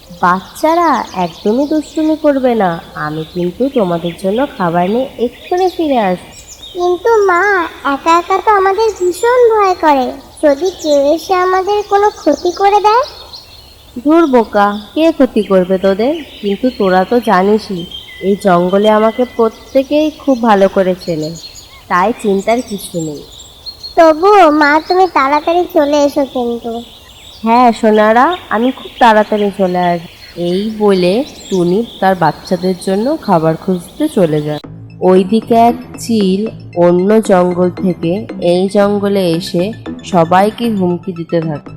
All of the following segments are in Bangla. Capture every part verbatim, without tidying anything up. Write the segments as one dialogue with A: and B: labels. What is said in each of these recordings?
A: বাচ্চারা একদমই দুষ্টুমি করবে না, আমি কিন্তু তোমাদের জন্য খাবার নিয়ে এক্ষুনি ফিরে আসবো।
B: কিন্তু মা, একা একা তো আমাদের ভীষণ ভয় করে, যদি কেউ এসে আমাদের কোনো ক্ষতি করে দেয়।
A: ধুর বোকা, কে ক্ষতি করবে তোদের? কিন্তু তোরা তো জানিসই এই জঙ্গলে আমাকে প্রত্যেকেই খুব ভালো করে চেনে, তাই চিন্তার কিছু নেই।
B: তবুও মা, তুমি তাড়াতাড়ি চলে এসো কিন্তু।
A: হ্যাঁ সোনারা, আমি খুব তাড়াতাড়ি চলে আসবো। এই বলে টুনি তার বাচ্চাদের জন্য খাবার খুঁজতে চলে যায়। ওইদিকে এক চিল অন্য জঙ্গল থেকে এই জঙ্গলে এসে সবাইকে হুমকি দিতে থাকে।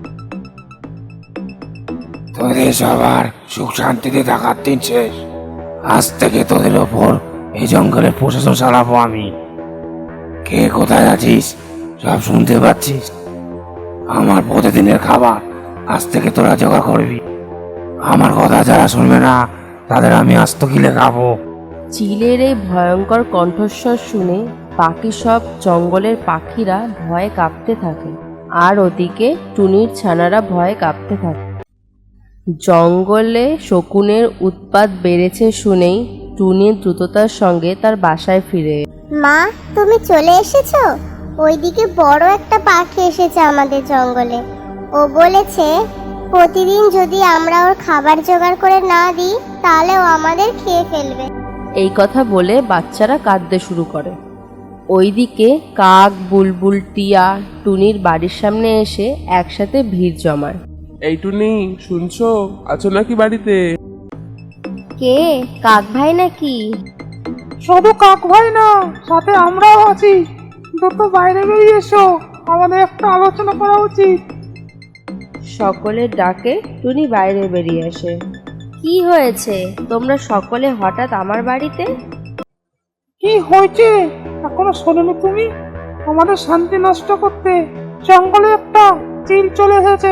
C: তোদের সবার সুখ শান্তিতে থাকার দিন শেষ। আজ থেকে তোদের ওপর এই জঙ্গলের প্রশাসন চালাবো আমি। কে কোথায় আছিস সব শুনতে পাচ্ছিস। আমার প্রতিদিনের খাবার আজ থেকে তোরা জোগাড় করবি। আমার কথা যারা শুনবে না তাদের আমি আস্ত কিলে খাবো।
A: চিলের এই ভয়ঙ্কর কণ্ঠস্বর শুনে বাকি সব জঙ্গলের পাখিরা ভয়ে কাঁপতে থাকে, আর ওদিকে টুনির ছানারা ভয়ে কাঁপতে থাকে। জঙ্গলে শকুনের উৎপাত বেড়েছে শুনেই টুনি দ্রুততার সঙ্গে তার বাসায় ফিরে।
B: মা, তুমি চলে এসেছো? ওইদিকে বড় একটা পাখি এসেছে আমাদের জঙ্গলে। ও বলেছে প্রতিদিন যদি আমরা ওর খাবার জোগাড় করে না দিই তাহলে ও আমাদের খেয়ে ফেলবে।
A: এই কথা বলে বাচ্চারা কাঁদতে শুরু করে। ওইদিকে কাক, বুলবুল, টিয়া টুনির বাড়ির সামনে এসে একসাথে ভিড় জমায়।
D: এই টুনি, শুনছো? আছো নাকি বাড়িতে?
A: কে? কাক ভাই নাকি?
E: শুধু কাক ভাই না, সাথে আমরাও আছি। দ্রুত বাইরে বেরিয়ে এসো, আমাদের একটা আলোচনা করা উচিত।
A: সকলের ডাকে টুনি বাইরে বেরিয়ে আসে। কি হয়েছে? তোমরা সকলে হঠাৎ আমার বাড়িতে?
E: কি হয়েছে এখনো শোনোনি তুমি? আমাদের শান্তি নষ্ট করতে জঙ্গলে একটা চিল চলে এসেছে।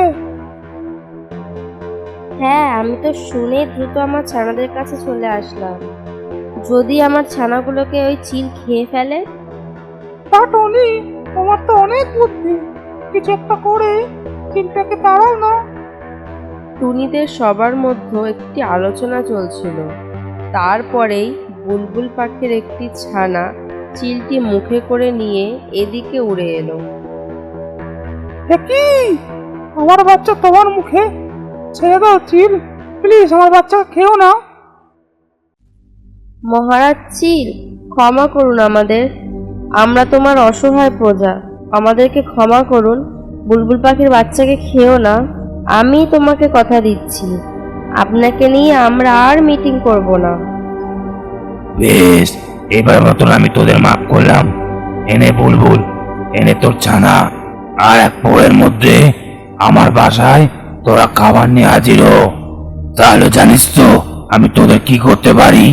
A: হ্যাঁ, আমি তো শুনে দ্রুত আমার ছানাদের কাছে চলে আসলাম। যদি আমার ছানাগুলোকে ওই চিল খেয়ে ফেলে?
E: তা টনি, তোমার তো অনেক বুদ্ধি, কিছু একটা করে চিলটাকে তাড়াও না।
A: টুনিদের সবার মধ্যে একটি আলোচনা চলছিল। তারপরেই বুলবুল পাখির একটি ছানা চিলটি মুখে করে নিয়ে এদিকে উড়ে এলো।
E: কি? আমার বাচ্চা তোমার মুখে? ছেড়ে দাও চিল, প্লিজ, আমার বাচ্চা খেও না।
A: মহারাজ চিল, ক্ষমা করুন আমাদের, আমরা তোমার অসহায় প্রজা, আমাদেরকে ক্ষমা করুন। বুলবুল পাখির বাচ্চাকে খেও না। আমি তোমাকে কথা দিচ্ছি, আপনাকে নিয়ে আমরা আর মিটিং করব না।
C: বেশ, এবার মতন আমি তোদের মাফ করলাম। এনে বুলবুল, এনে তোর ছানা, আর এক বউয়ের মধ্যে আমার বাসায় তোরা খাবার নিয়ে হাজির হ। তাহলে জানিস তো আমি তোদের কি করতে পারি।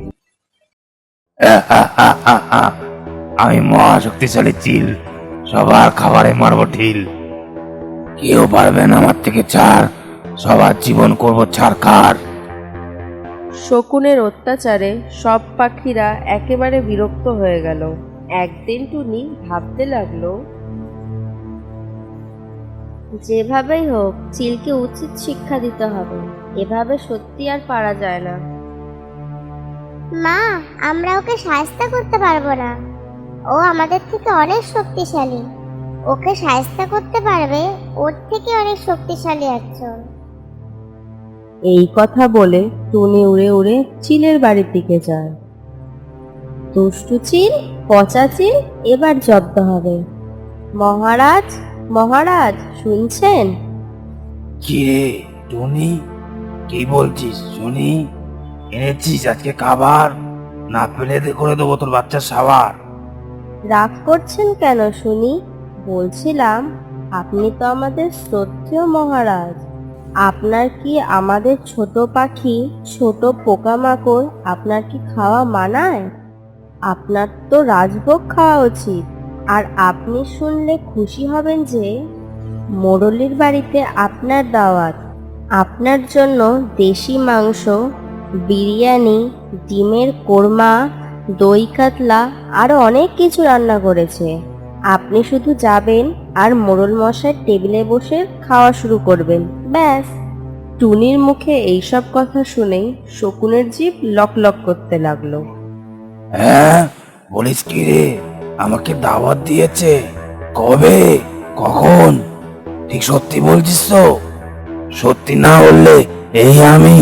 C: আমি মহাশক্তিশালী চিল, সবার খাবারে মারবো ঢিল। কেউ পারবে না আমার থেকে ছাড়, সবার জীবন করবো ছাড়খাড়।
A: শকুনের অত্যাচারে সব পাখিরা একেবারে বিরক্ত হয়ে গেল। একদিন টুনি ভাবতে লাগলো, যেভাবেই হোক চিলকে উচিত শিক্ষা দিতে হবে, এভাবে সত্যি আর পারা যায় না।
B: মা, আমরা ওকে সাহায্য করতে পারবো না, ও আমাদের থেকে অনেক শক্তিশালী। ওকে সাহায্য করতে পারবে ওর থেকে অনেক শক্তিশালী একজন।
A: এই কথা বলে টুনি উড়ে উড়ে চিলের বাড়ির দিকে যায়। দুষ্টু চিল, পচা চিল, এবার জব্দ হবে। মহারাজ, মহারাজ শুনছেন?
C: কি রে টনি, কি বলছিস শুনি? এনেছিস আজকে খাবার? না পেলে দে করে দেবো তোর বাচ্চার সাবার।
A: রাগ করছেন কেন শুনি? বলছিলাম, আপনি তো আমাদের শ্রদ্ধেয় মহারাজ, আপনার কি আমাদের ছোট পাখি, ছোট পোকামাকড় আপনার কি খাওয়া মানায়? আপনার তো রাজভোগ খাওয়া উচিত। আর আপনি শুনলে খুশি হবেন যে মোড়লের বাড়িতে আপনার দাওয়াত। আপনার জন্য দেশি মাংস, বিরিয়ানি, ডিমের কোরমা, দই কাতলা আরো অনেক কিছু রান্না করেছে। আপনি শুধু যাবেন আর মোড়ল মশাই টেবিলে বসে খাওয়া শুরু করবেন, ব্যাস। টুনির মুখে এইসব কথা শুনেই শকুনের জিভ লক লক করতে লাগলো।
C: হ্যাঁ, বলিস কি রে? আমাকে দাওয়াত দিয়েছে? কবে? কখন? ঠিক সত্যি বলছিস তো? সত্যি না বললে এই আমি।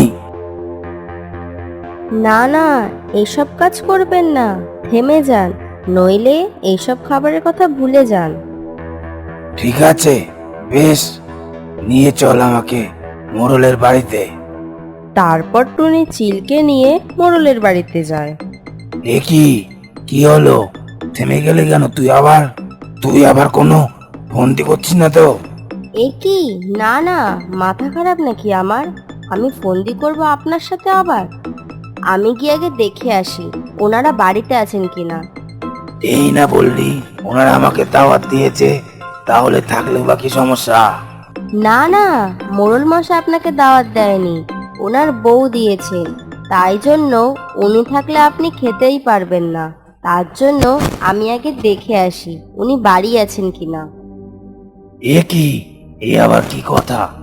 A: না না, এইসব কাজ করবেন না, থেমে যান, নইলে এইসব খাবারের কথা ভুলে যান।
C: ঠিক আছে, বেশ, নিয়ে চল আমাকে মোড়লের বাড়িতে।
A: তারপর টুনি চিলকে নিয়ে মোড়লের বাড়িতে যায়।
C: এ কি কি হলো? থেমে গেলে কেন? তুই আবার তুই আবার কোনো ফন্দি করছিস না তো?
A: এ কি, না না, মাথা খারাপ নাকি আমার? আমি ফন্দি করব আপনার সাথে আবার? আমি গিয়ে আগে দেখে আসি ওনারা বাড়িতে আছেন কিনা।
C: এই না বললি ওনারা আমাকে দাওয়াত দিয়েছে, তাহলে থাকলে বা কি সমস্যা?
A: না না, মোড়ল মশাই আপনাকে দাওয়াত দেয়নি, ওনার বউ দিয়েছেন। তাই জন্য উনি থাকলে আপনি খেতেই পারবেন না। তার জন্য আমি আগে দেখে আসি উনি বাড়ি আছেন কিনা।
C: এ কি, এ আবার কি কথা?